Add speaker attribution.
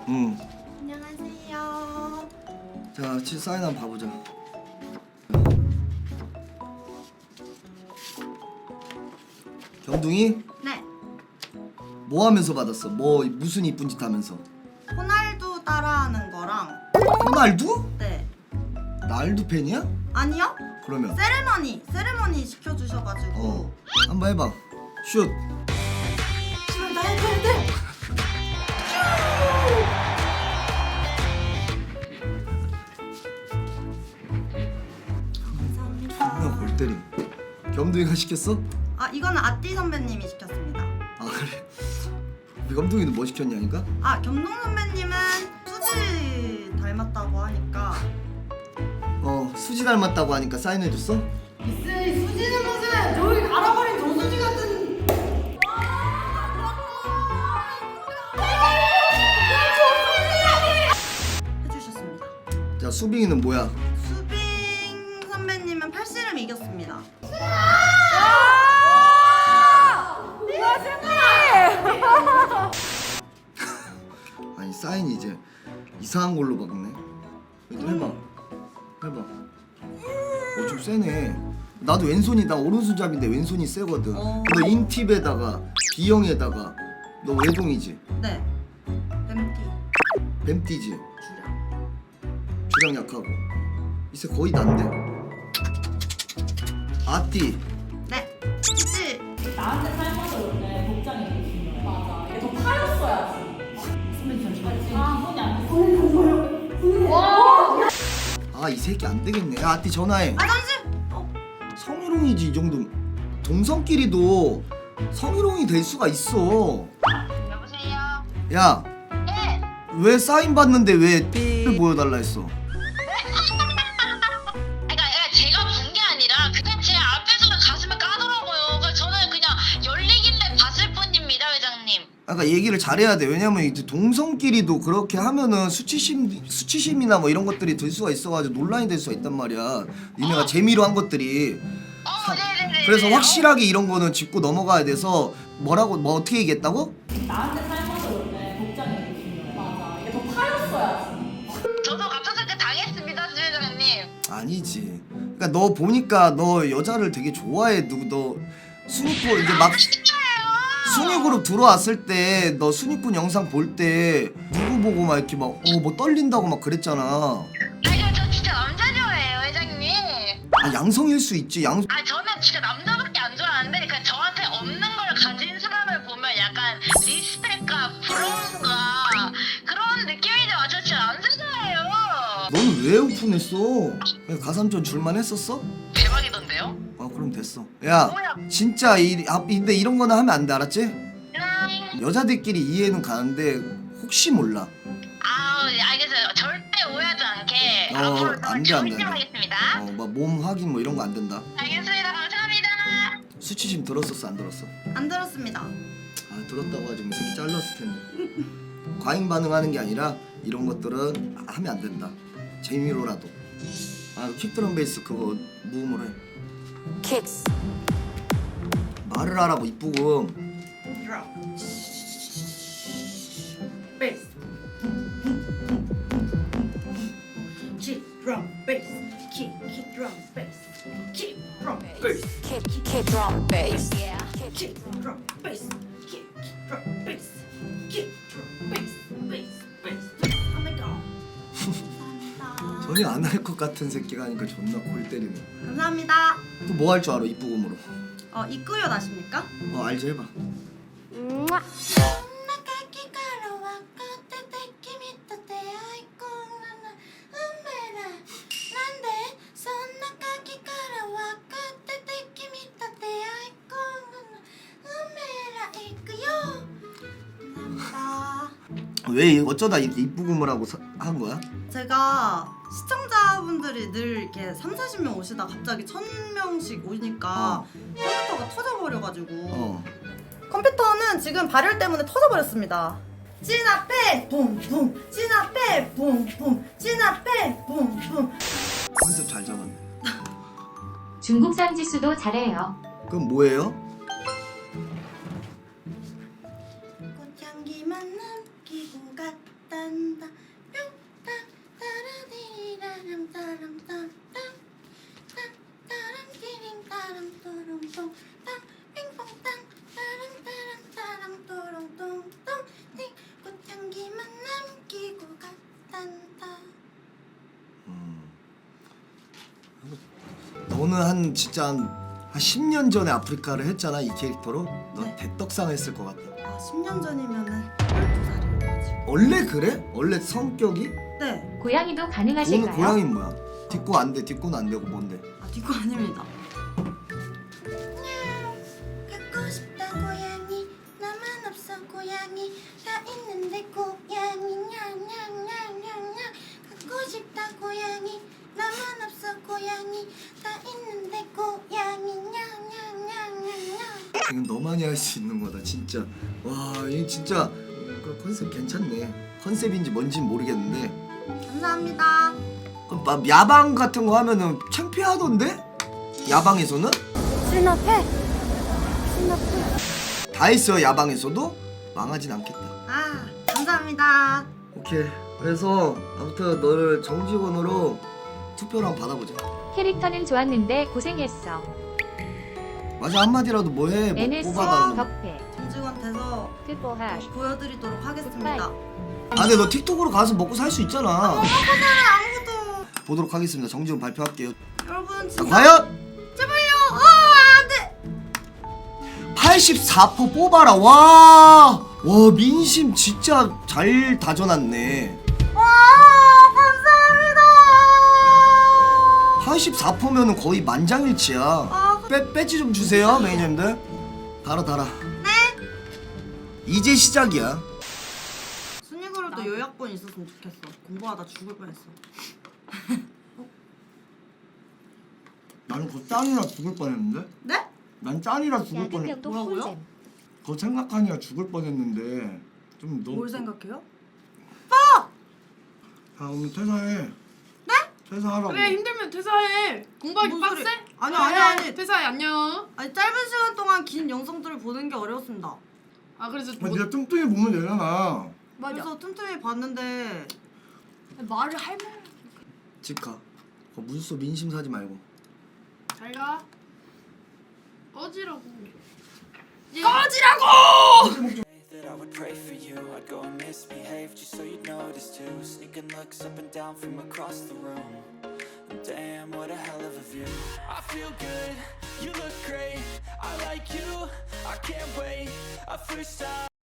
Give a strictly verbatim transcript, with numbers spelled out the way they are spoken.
Speaker 1: 응.
Speaker 2: 안녕하세요.
Speaker 1: 자, 치 사인 한번 봐보자. 경둥이?
Speaker 2: 네.
Speaker 1: 뭐 하면서 받았어? 뭐 무슨 이쁜 짓 하면서?
Speaker 2: 호날두 따라하는 거랑
Speaker 1: 호날두?
Speaker 2: 네.
Speaker 1: 날두 팬이야?
Speaker 2: 아니요?
Speaker 1: 그러면
Speaker 2: 세레머니 세레머니 시켜주셔가지고
Speaker 1: 어 한번 해봐. 슛.
Speaker 2: 지금 나 해도 돼. 감사합니다.
Speaker 1: 나 골 때림. 겸둥이가 시켰어?
Speaker 2: 아 이거는 아띠 선배님이 시켰습니다.
Speaker 1: 아 그래? 우리 겸둥이는 뭐 시켰냐니까?
Speaker 2: 아 겸동 선배님은 수지 닮았다고 하니까
Speaker 1: 어 수지 닮았다고 하니까 사인해줬어?
Speaker 2: 미스 수지는 무슨 저기 갈아버린 조수지 같은 해주셨습니다.
Speaker 1: 자 수빈이는 뭐야?
Speaker 2: 수빈 선배님은 팔씨름 이겼습니다.
Speaker 1: 아니 사인이 이제 이상한 걸로 바뀌네. 또 해봐. 해봐. 어 좀 세네. 나도 왼손이 나 오른손잡인데 왼손이 세거든.
Speaker 2: 어.
Speaker 1: 너 인팁에다가 B형에다가 너 외동이지?
Speaker 2: 네. 뱀띠
Speaker 1: 뱀띠지?
Speaker 2: 주량.
Speaker 1: 주량 약하고 이새 거의 난데? 아띠.
Speaker 2: 네. 수지.
Speaker 3: 나한테 삶아서 원래 복장이 되게 중요해. 맞아. 이게 더 파였어야지. 선배님 잠시만요. 아, 손이 안 돼. 와!
Speaker 1: 아 이 새끼 안 되겠네. 야 아띠 전화해.
Speaker 2: 아 잠시. 어.
Speaker 1: 성희롱이지 이 정도. 동성끼리도 성희롱이 될 수가 있어.
Speaker 4: 여보세요?
Speaker 1: 야,
Speaker 4: 네!
Speaker 1: 왜 사인 받는데 왜 B를 보여달라 했어?
Speaker 4: 그러니까, 그러니까 제가 본 게 아니라 그냥 제 앞에서 가슴을 까더라고요. 그래서 저는 그냥 열리길래 봤을 뿐입니다, 회장님.
Speaker 1: 아까 얘기를 잘해야 돼. 왜냐면 이제 동성끼리도 그렇게 하면은 수치심 수치심이나 뭐 이런 것들이 들 수가 있어가지고 논란이 될 수가 있단 말이야. 니네가 재미로 한 것들이.
Speaker 4: 어,
Speaker 1: 사-
Speaker 4: 네네네.
Speaker 1: 그래서 확실하게 이런 거는 짚고 넘어가야 돼서 뭐라고 뭐 어떻게 얘기했다고?
Speaker 3: 나한테 삶아서 원래 복장이 되게 중요해. 맞아. 이게 더 파였어야지.
Speaker 4: 저도 갑작스럽게 당했습니다, 주 회장님.
Speaker 1: 아니지. 그러니까 너 보니까 너 여자를 되게 좋아해. 누구 너 순위꾼 이제 막 순위그룹 들어왔을 때 너 순위꾼 영상 볼 때 누구 보고 막 이렇게 막 어 뭐 떨린다고 막 그랬잖아.
Speaker 4: 아니, 저 진짜 남자 좋아해요, 회장님.
Speaker 1: 아 양성일 수 있지. 양
Speaker 4: 아, 저는 진짜 남자밖에 안 좋아하는데 그냥 저한테 없는 걸 가진 사람을 보면 약간 리스펙과 부러움과 그런 느낌이죠. 저 진짜 남자 좋아해요.
Speaker 1: 너는 왜 오픈했어? 그냥 가산점 줄만 했었어?
Speaker 4: 대박이던데요?
Speaker 1: 아 그럼 됐어. 야 진짜 이 아, 근데 이런 거는 하면 안 돼 알았지?
Speaker 4: 음.
Speaker 1: 여자들끼리 이해는 가는데 혹시 몰라.
Speaker 4: 아우, 예, 알겠어요. 절대 오해하지 않게
Speaker 1: 어,
Speaker 4: 앞으로
Speaker 1: 안 돼,
Speaker 4: 더
Speaker 1: 안 돼, 안 돼.
Speaker 4: 조심하겠습니다.
Speaker 1: 어 막 몸 확인 뭐 이런 거 안 된다.
Speaker 4: 알겠습니다. 감사합니다.
Speaker 1: 수치심 들었었어 안 들었어?
Speaker 2: 안 들었습니다.
Speaker 1: 아 들었다고 하지 뭐 새끼 잘랐을 텐데. 과잉 반응하는 게 아니라 이런 것들은 하면 안 된다. 재미로라도. 아 킥드럼 베이스 그거 무음으로 해.
Speaker 5: Kicks.
Speaker 1: 말을 하라고 이쁘고.
Speaker 2: 드럼. 베이스. 킥 드럼 베이스. 킥, 킥 드럼 베이스. 킥 드럼 베이스.
Speaker 5: Kick, kick drum bass. Yeah.
Speaker 2: 킥 드럼 베이스. 킥, 킥 드럼 베이스. 킥 드럼 베이스. 베이스, 베이스. 한번 더. 감사합니다.
Speaker 1: 전혀 안 할 것 같은 새끼가 하니까 존나 골 때리네.
Speaker 2: 감사합니다.
Speaker 1: 또 뭐 할 줄 알아 이쁘금으로?
Speaker 2: 어, 이끄요 나십니까?
Speaker 1: 어 알지 해봐. 왜 어쩌다 이렇게 이쁘금을 하고 사, 한 거야?
Speaker 2: 제가 시청자분들이 늘 이렇게 삼사십 명 오시다 갑자기 천 명씩 오니까
Speaker 1: 어.
Speaker 2: 컴퓨터가 터져버려가지고
Speaker 1: 어.
Speaker 2: 컴퓨터는 지금 발열 때문에 터져버렸습니다. 찐 앞에 붐붐, 찐 앞에 붐붐, 찐 앞에 붐붐.
Speaker 1: 컨셉 잘 잡았네.
Speaker 6: 중국산 지수도 잘해요.
Speaker 1: 그럼 뭐예요?
Speaker 2: 꽃향기만 남기고 갔다 딴다 뿅땅 따라디리라랑 따랑 땅땅 따랑 띠링 따랑 또롱똥 땅 핑퐁땅 따랑 따랑 따랑 또롱똥똥 띵 꽃향기만 남기고 갔단다.
Speaker 1: 너는 한 진짜 한 한 십 년 전에 아프리카를 했잖아 이 캐릭터로. 넌
Speaker 2: 네.
Speaker 1: 대떡상 했을 것 같아.
Speaker 2: 아 십 년 전이면은 열두 살이어가지고.
Speaker 1: 원래 그래? 원래 성격이?
Speaker 2: 네.
Speaker 6: 고양이도
Speaker 1: 오늘
Speaker 6: 가능하실까요?
Speaker 1: 고양이 뭐야? 뒷고 안 돼, 뒷고는 안 되고 뭔데?
Speaker 2: 아 뒷고 아닙니다. 갖고 싶다 고양이 나만 없어 고양이 다 있는데 고양이 냥냥냥냥냥 갖고 싶다 고양이 나만 없어 고양이 다 있는데 고양이 냥냥냥냥냥.
Speaker 1: 이건 너만이 할 수 있는 거다 진짜. 와, 이 진짜 그 컨셉 괜찮네. 컨셉인지 뭔진 모르겠는데.
Speaker 2: 감사합니다.
Speaker 1: 그럼 막 야방 같은 거 하면은 창피하던데? 야방에서는?
Speaker 2: 수납해 수납해.
Speaker 1: 다 있어요 야방에서도? 망하진 않겠다.
Speaker 2: 아 감사합니다.
Speaker 1: 오케이. 그래서 아무튼 너를 정직원으로 투표를 한번 받아보자.
Speaker 6: 캐릭터는 좋았는데 고생했어.
Speaker 1: 맞아, 한마디라도 뭐해. 뭐
Speaker 6: 엔에스
Speaker 1: 뽑아달라고.
Speaker 6: 덕배
Speaker 2: 정직원 돼서
Speaker 6: 트보하
Speaker 2: 보여드리도록 하겠습니다.
Speaker 1: 아 근데 너 틱톡으로 가서 먹고 살 수 있잖아.
Speaker 2: 아무도
Speaker 1: 보도록 하겠습니다. 정직원 발표할게요.
Speaker 2: 여러분
Speaker 1: 자,
Speaker 2: 진짜
Speaker 1: 과연
Speaker 2: 제발요. 아 안돼.
Speaker 1: 팔십사 퍼센트 뽑아라. 와, 와 민심 진짜 잘 다져놨네.
Speaker 2: 와 감사합니다.
Speaker 1: 팔십사 퍼센트면은 거의 만장일치야.
Speaker 2: 아,
Speaker 1: 빼 빼지 좀 주세요, 매니저님들. 달아 달아.
Speaker 2: 네.
Speaker 1: 이제 시작이야.
Speaker 2: 순위그룹도 요약본 있었으면 좋겠어. 공부하다 죽을 뻔했어.
Speaker 1: 나는 그 짠이라 죽을 뻔했는데.
Speaker 2: 네?
Speaker 1: 난 짠이라 죽을 뻔했.
Speaker 6: 야근병도
Speaker 2: 뭐라고요?
Speaker 6: 꿀잼
Speaker 1: 그거 생각하니까 죽을 뻔했는데 좀 너무.
Speaker 2: 뭘 생각해요?
Speaker 1: 아 오늘 퇴사해.
Speaker 2: 네?
Speaker 1: 퇴사하라고.
Speaker 7: 그래 힘들면 퇴사해. 공부하기
Speaker 2: 무슨
Speaker 7: 빡세?
Speaker 2: 소리? 아니,
Speaker 7: 그래,
Speaker 2: 아니, 아니.
Speaker 7: 퇴사해 안녕.
Speaker 2: 아니 짧은 시간 동안 긴 영상들을 보는 게 어려웠습니다.
Speaker 7: 아 그래서
Speaker 1: 아,
Speaker 7: 뭐,
Speaker 1: 네가 뚱뚱이 보면 되잖아.
Speaker 2: 그래서 틈틈이 봤는데
Speaker 7: 말을 할 말.
Speaker 1: 집 가. 그 문서 민심 사지 말고.
Speaker 7: 잘 가. 꺼지라고.
Speaker 8: That I would pray for you, I'd go and misbehave just so you'd notice too. Sneaking looks up and down from across the room. And damn, what a hell of a view. I feel good, you look great. I like you, I can't wait. A first time.